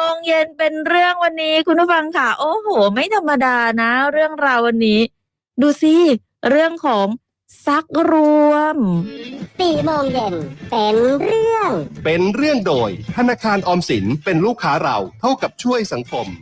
งเย็นเป็นเรื่องวันนี้คุณผู้ฟังค่ะโอ้โหไม่ธรรมดานะเรื่องราววันนี้ดูสิเรื่องของซักรวม 4 โมงเย็นเป็นเรื่องโดยธนาคารออมสินเป็นลูกค้าเราเท่ากับช่วยสังคม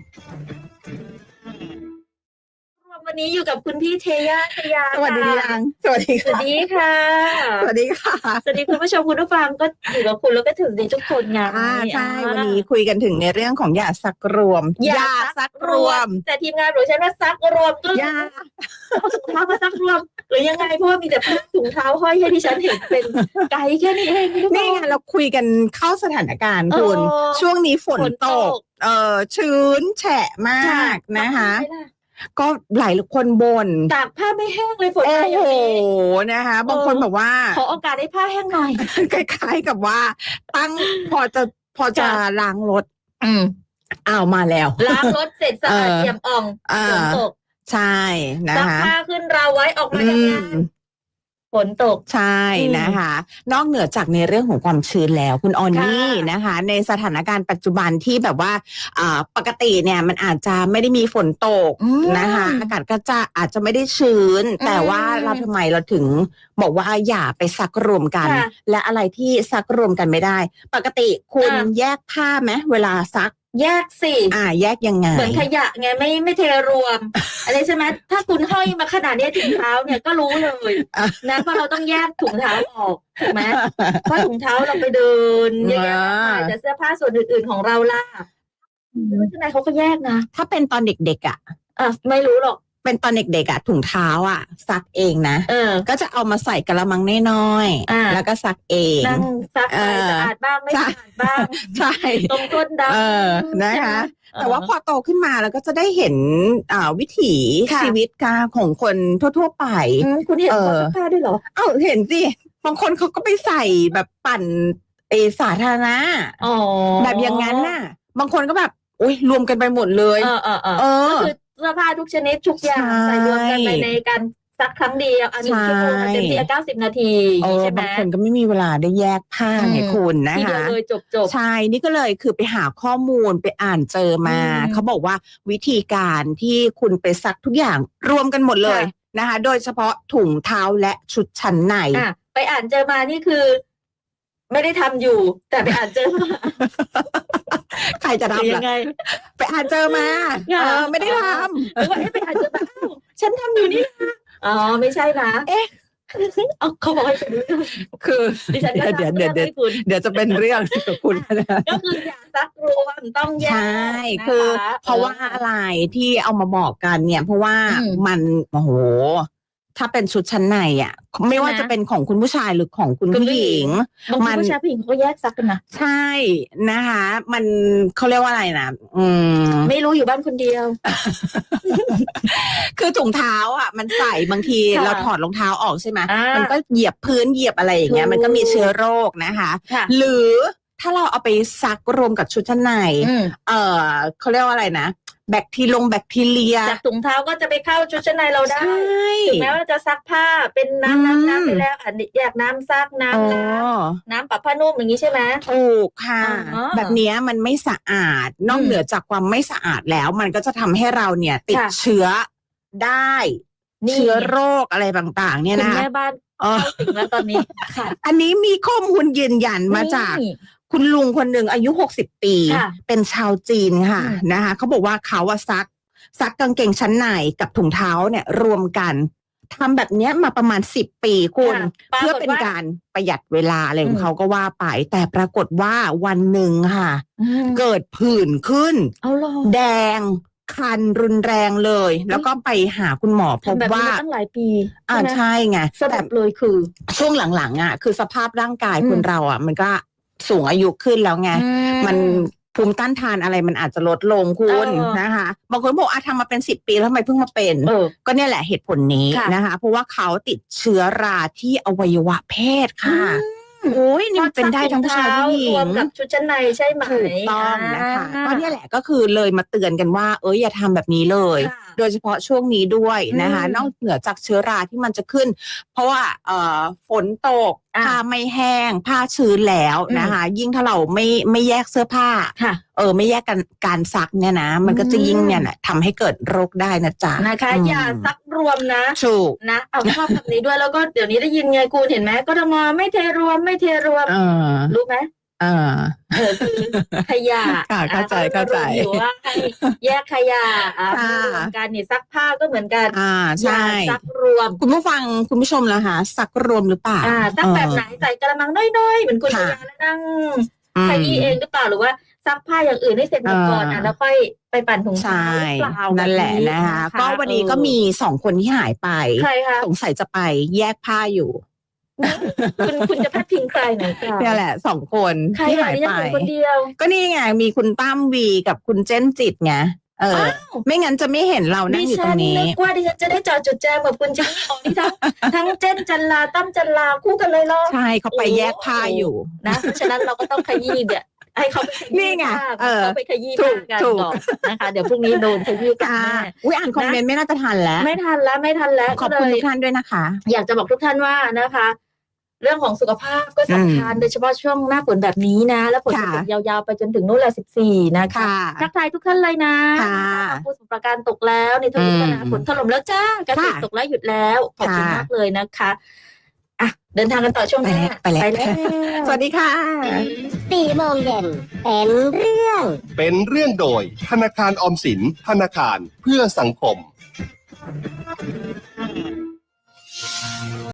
วันนี้อยู่กับคุณพี่เทย่าสวัสดียังสวัสดีค่ะสวัสดีค่ะสวัสดีคุณผู้ชมคุณผู้ฟังก็อยู่กับคุณแล้วก็ถึงดีทุกคนไงใช่วันนี้คุยกันถึงในเรื่องของยาซักรวมยาซักรวมแต่ทีมงานบอกฉันว่าซักรวมก็ยาเอาถุงเท้ามาซักรวมหรือยังไงเพราะว่ามีแต่ถุงเท้าห้อยให้ที่ฉันเห็นเป็นไกลแค่นี้เองนี่ไงเราคุยกันเข้าสถานการณ์คุณช่วงนี้ฝนตกชื้นแฉะมากนะคะก็หลายคนบ่นตากผ้าไม่แห้งเลยฝนโอ้โหนะคะบางคนบอกว่าขอโอกาสให้ผ้าแห้งหน่อยคล้ายๆกับว่าตั้งพอจะล้างรถมาแล้วล้างรถเสร็จสะอาดเอี่ยมอ่องฝนตกใช่นะคะซักผ้าขึ้นเราไว้ออกมาจากงานฝนตกใช่นะคะนอกเหนือจากในเรื่องของความชื้นแล้วคุณออนนี่นะคะในสถานการณ์ปัจจุบันที่แบบว่าปกติเนี่ยมันอาจจะไม่ได้มีฝนตกนะคะอากาศก็จะอาจจะไม่ได้ชื้นแต่ว่าเราทำไมเราถึงบอกว่าอย่าไปซักรวมกันและอะไรที่ซักรวมกันไม่ได้ปกติคุณแยกผ้าไหมเวลาซักแยกสิแยกยังไงเหมือนขยะไงไม่เทรวมอะไรใช่ไหมถ้าคุณห้อยมาขนาดนี้ถุงเท้าเนี่ยก็รู้เลยนะเพราะเราต้องแยกถุงเท้าออกถูกไหมเพราะถุงเท้าเราไปเดินเยอะๆแต่เสื้อผ้าส่วนอื่นๆของเราล่ะข้างในเขาก็แยกนะถ้าเป็นตอนเด็กๆไม่รู้หรอกเป็นตอนเด็กๆถุงเท้าซักเองนะก็จะเอามาใส่กระมังน้อยๆแล้วก็ซักเองนั่งซักไปสะอาดบ้างไม่สะอาดบ้างใช่ตรงก้นดำนะคะแต่ว่าพอโตขึ้นมาแล้วก็จะได้เห็นวิถีชีวิตของคนทั่วๆไปคุณเห็นเขาซักผ้าด้วยเหรอเห็นสิบางคนเขาก็ไปใส่แบบปั่นสาธารณะแบบอย่างนั้นน่ะบางคนก็แบบรวมกันไปหมดเลยก็คือเสื้อผ้าทุกชนิดทุกอย่างใส่รวมกันไปในการซักครั้งเดียว1 ชั่วโมงเต็มที่90 นาทีใช่ไหมบางคนก็ไม่มีเวลาได้แยกผ้าไงคุณนะคะเลยจบใช่นี่ก็เลยคือไปหาข้อมูลไปอ่านเจอมาเขาบอกว่าวิธีการที่คุณไปซักทุกอย่างรวมกันหมดเลยนะคะโดยเฉพาะถุงเท้าและชุดชั้นในไปอ่านเจอมานี่คือไม่ได้ทำอยู่แต่ไปอ่านเจอมาใครจะทำยังไงไปอ่านเจอมาไม่ได้ทำหรือว่าไปอ่านเจอมาฉันทำอยู่นี่ไม่ใช่นะเขาบอกให้เป็นเรื่องคือเดี๋ยวจะเป็นเรื่องกับคุณก็คืออย่าซักรวมต้องแยกใช่คือเพราะว่าอะไรที่เอามาบอกกันเนี่ยเพราะว่ามันโอ้โหถ้าเป็นชุดชั้นในไม่ว่าจะเป็นของคุณผู้ชายหรือของคุณผู้หญิงมันผู้ชายผู้หญิงเขาก็แยกซักกันนะใช่นะคะมันเขาเรียกว่าอะไรนะไม่รู้อยู่บ้านคนเดียวคือถุงเท้ามันใส่บางทีเราถอดรองเท้าออกใช่ไหมมันก็เหยียบพื้นเหยียบอะไรอย่างเงี้ยมันก็มีเชื้อโรคนะคะหรือถ้าเราเอาไปซักรวมกับชุดชั้นในเขาเรียกว่าอะไรนะแบคทีเรียจากถุงเท้าก็จะไปเข้าชุดชั้นในเราได้ถึงแม้ว่าจะซักผ้าเป็นน้ำไปแล้วอยากน้ำซักน้ำปรับผ้านุ่มอย่างนี้ใช่ไหมถูกค่ะแบบนี้มันไม่สะอาดนอกเหนือจากความไม่สะอาดแล้วมันก็จะทำให้เราเนี่ยติดเชื้อได้เชื้อโรคอะไรต่างๆเนี่ยนะคุณแม่บ้านเข้าถึงแล้วตอนนี้อันนี้มีข้อมูลยืนยันมาจากคุณลุงคนหนึ่งอายุ60 ปีเป็นชาวจีนค่ะนะคะเขาบอกว่าเขาซักกางเกงชั้นในกับถุงเท้าเนี่ยรวมกันทำแบบนี้มาประมาณ10 ปีคุณเพื่อเป็นการประหยัดเวลาอะไรของเขาก็ว่าไปแต่ปรากฏว่าวันหนึ่งค่ะเกิดผื่นขึ้นแดงคันรุนแรงเลยแล้วก็ไปหาคุณหมอพบว่าตั้งหลายปีใช่ไงแต่เลยคือช่วงหลังๆคือสภาพร่างกายคนเรามันก็สูงอายุขึ้นแล้วไงมันภูมิต้านทานอะไรมันอาจจะลดลงคุณนะคะบางคนบอกทำมาเป็น10 ปีแล้วทำไมเพิ่งมาเป็นก็เนี่ยแหละเหตุผลนี้นะคะเพราะว่าเขาติดเชื้อราที่อวัยวะเพศค่ะโอ้ยนี่มันเป็นได้ทั้งผู้ชายผู้หญิงรวมกับชุดชั้นในใช่ไหมถูกต้องนะคะก็เนี่ยแหละก็คือเลยมาเตือนกันว่าอย่าทำแบบนี้เลยโดยเฉพาะช่วงนี้ด้วยนะคะอืมนอกเหนือจากเชื้อราที่มันจะขึ้น เพราะว่าฝนตกอ่ะผ้าไม่แห้ง ผ้าชื้นแล้วนะคะ ยิ่งถ้าเราไม่แยกเสื้อผ้าค่ะไม่แยกการซักเนี่ยนะ มันก็จะยิ่งเนี่ยนะทำให้เกิดโรคได้นะจ๊ะนะคะ อย่าซักรวมนะถูกนะเอาชอบแบบนี้ด้วยแล้วก็เดี๋ยวนี้ได้ยินไงคุณเห็นไหมกทมไม่เทรวมไม่เทรวม รู้ไหม คือขยะค่ะเข้าใจเข้าใจรณรงค์อยู่ว่าให้แยกขยะค่ะรวมกันนี่ซักผ้าก็เหมือนกันใช่อย่าซักรวมคุณผู้ฟังคุณผู้ชมนะคะซักรวมหรือเปล่าซักแบบไหนใส่กระมังน้อยๆเหมือนคุณค่ะยาแล้วนั่งอืมขยี้เองหรือเปล่าหรือว่าซักผ้าอย่างอื่นให้เสร็จหมดก่อนแล้วค่อยไปปั่นถุงเท้าใช่หรือเปล่านั่นแหละบบนะคะก็วันนี้ก็มี2 คนที่หายไปใครคะสงสัยจะไปแยกผ้าอยู่คุณจะพัดพิงใครหน่อยค่ะเนี่ยแหละ2 คนใครที่อ่ะหายดิฉัไปนอยู่คนเดียวก็นี่ไงมีคุณตั้มวีกับคุณเจนจิตไงไม่งั้นจะไม่เห็นเรานั่งอยู่ตรงนี้นึกว่าดิฉันจะได้จอจุดแจมกับคุณจิงอ๋อนี่ทั้งเจนจันลาตั้มจันลาคู่กันเลยเหรอใช่เขาไปแยกผ้าอยู่นะเพราะฉะนั้นเราก็ต้องขยี้เนี่ยให้เขาไปขยี้นี่ไงผ้าเขาไปขยี้ผ้ากันถูกก่อนนะคะเดี๋ยวพรุ่งนี้โดนขยี้กันค่ะแน่อุ้ยอ่านคอมเมนต์ไม่น่าจะทันแล้วไม่ทันแล้วขอบคุณทุกท่านด้วยนะคะอยากจะบอกทุกท่านว่านะคะ เรื่องของสุขภาพก็สำคัญโดยเฉพาะช่วงหน้าฝนแบบนี้นะ แล้วฝนจะตกยาวๆไปจนถึงนู่นแหละ14นะคะค่ะทักทายทุกท่านเลยนะค่ะผู้สมุทรปราการตกแล้วในทวีปนาฝนถล่มแล้วจ้ากระติกตกแล้วหยุดแล้วขอบคุณค่ะมากเลยนะคะอ่ะเดินทางกันต่อช่วงหน้าไปแล้ว สวัสดีค่ะ 4 โมงเย็นเป็นเรื่องเป็นเรื่องโดยธนาคารออมสินธนาคารเพื่อสังคม